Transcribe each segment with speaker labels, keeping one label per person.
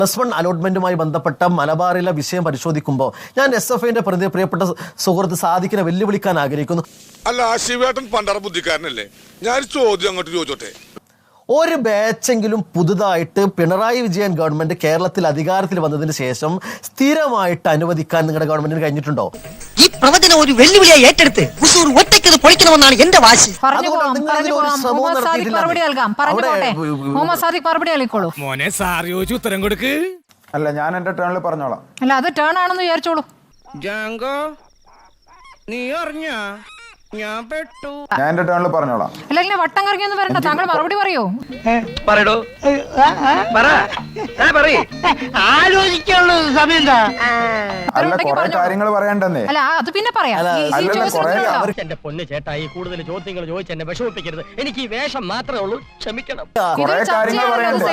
Speaker 1: +1 അലോട്ട്മെന്റുമായി ബന്ധപ്പെട്ട മലബാറിലെ വിഷയം പരിശോധിക്കുമ്പോൾ ഞാൻ SFIന്റെ പ്രിയപ്പെട്ട സുഹൃത്ത് സാദിഖിനെ വെല്ലുവിളിക്കാൻ ആഗ്രഹിക്കുന്നു.
Speaker 2: അല്ല, ശിവേട്ടൻ പണ്ടറ ബുദ്ധിക്കാരനല്ലേ? ഞാൻ ചോദ്യം അങ്ങോട്ട് ചോദിച്ചോട്ടെ.
Speaker 1: ഒരു ബാച്ചെങ്കിലും പുതുതായിട്ട് പിണറായി വിജയൻ ഗവൺമെന്റ് കേരളത്തിൽ അധികാരത്തിൽ വന്നതിന് ശേഷം സ്ഥിരമായിട്ട് അനുവദിക്കാൻ നിങ്ങളുടെ ഗവൺമെന്റിന് കഴിഞ്ഞിട്ടുണ്ടോ?
Speaker 3: ഈ പ്രവചനം ഒരു വെല്ലുവിളിയായി ഏറ്റെടുത്ത് ഒറ്റയ്ക്ക് പൊളിക്കണമെന്നാണ് എന്റെ വാശി.
Speaker 4: മോനെ സാർ ചോദിച്ചു ഉത്തരം കൊടുക്ക്.
Speaker 5: അല്ല, ഞാൻ എന്റെ ടേണിൽ പറഞ്ഞോളാം.
Speaker 6: അല്ല, അത് ടേൺ ആണെന്ന് വിചാരിച്ചോളൂ.
Speaker 4: ജാങ്കോ, നീ അറിഞ്ഞ ഞാൻ പെട്ടു.
Speaker 5: ഞാൻ എന്റെ ടേണിൽ പറഞ്ഞോളാം.
Speaker 6: അല്ലെങ്കിൽ വട്ടം കറങ്ങിയൊന്നും വരണ്ട, താങ്കൾ മറുപടി പറയൂ.
Speaker 3: ആലോചിക്കാനുള്ള സമയം
Speaker 5: അല്ല, കുറെ കാര്യങ്ങൾ പറയണ്ടെന്നേ.
Speaker 6: അല്ല, അത് പിന്നെ പറയാം.
Speaker 3: എന്റെ പൊന്ന് ചേട്ടായി, കൂടുതൽ ചോദ്യങ്ങൾ ചോദിച്ച് എന്നെ വിഷമിപ്പിക്കരുത്. എനിക്ക് ഈ വേഷം മാത്രമേ ഉള്ളൂ, ക്ഷമിക്കണം.
Speaker 5: കുറെ കാര്യങ്ങൾ പറയണ്ടേ.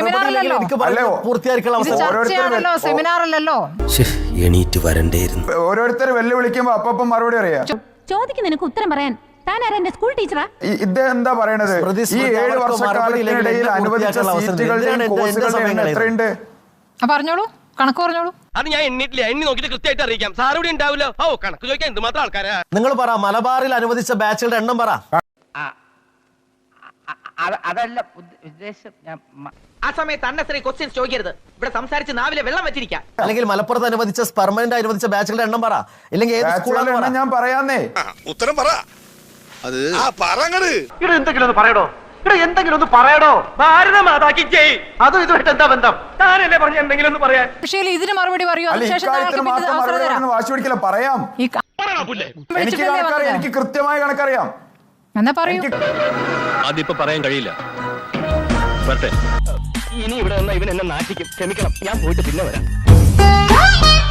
Speaker 6: സെമിനാർ അല്ലല്ലോ.
Speaker 7: എണീറ്റ് വരണ്ടേയിരുന്നു.
Speaker 5: ഓരോരുത്തർ വെല്ലുവിളിക്കുമ്പോ അപ്പം മറുപടി അറിയാം.
Speaker 8: ചോദിക്കുന്നതിനൊക്കെ ഉത്തരം പറയാൻ താൻ ആരാ? എന്റെ സ്കൂൾ ടീച്ചറാ?
Speaker 5: ഇദ്ദേഹം എന്താ പറയണത്? ഈ 7 വർഷക്കാലത്തിനിടയിൽ അനുവദിച്ച സീറ്റുകളുടെയും കോഴ്സുകളുടെയും എണ്ണം എത്രയുണ്ട്?
Speaker 6: പറഞ്ഞോളൂ, കണക്ക് പറഞ്ഞോളൂ.
Speaker 3: അത് ഞാൻ എണ്ണിട്ടില്ല, എണ്ണി നോക്കിട്ട് കൃത്യമായിട്ട് അറിയിക്കാം. സാർ ഇവിടെ ഉണ്ടാവില്ലോ. ഓ, കണക്ക് ചോദിക്കാൻ എന്തുമാത്രം ആൾക്കാരാ.
Speaker 1: നിങ്ങൾ പറ, മലബാറിൽ അനുവദിച്ച ബാച്ചുകളുടെ എണ്ണം പറ.
Speaker 3: അതല്ല ഉദ്ദേശം. ആ സമയത്ത് അന്നസറി ക്വസ്റ്റ്യൻസ് ചോദിക്കരുത്. ഇവിടെ സംസാരിച്ച് നാവിലെ വെള്ളം വെച്ചിരിക്കാം.
Speaker 1: അല്ലെങ്കിൽ മലപ്പുറത്ത് അനുവദിച്ച പെർമനന്റ് അനുവദിച്ച ബാച്ചുകളുടെ എണ്ണം പറ. ഇല്ലെങ്കിൽ ഏത് സ്കൂളാണ്
Speaker 5: ഞാൻ പറയാന്നേ.
Speaker 2: ഉത്തരം പറ. അത് പറങ്ങട്.
Speaker 3: ഇവിടെ എന്തെങ്കിലും ഒന്ന് പറയടോ. ഇവിടെ എന്തെങ്കിലും ഒന്ന് പറയടോ. ഭാരതമാതാക്കി ജയ്. അതും ഇതുമായിട്ട് എന്താ ബന്ധം? താനല്ലേ പറഞ്ഞ എന്തെങ്കിലും ഒന്ന് പറയാൻ.
Speaker 6: പക്ഷേ ഇതിന് മറുപടി പറയൂ.
Speaker 5: വാശി പിടിക്കില്ല, പറയാം. എനിക്ക് കൃത്യമായ കണക്കറിയാം.
Speaker 6: എന്നാ പറയൂ.
Speaker 7: അതിപ്പോ പറയാൻ കഴിയില്ല.
Speaker 3: ഇനി ഇവിടെ വന്ന ഇവൻ എന്നെ നാട്ടിക്കും. ക്ഷമിക്കണം, ഞാൻ പോയിട്ട് പിന്നെ വരാം.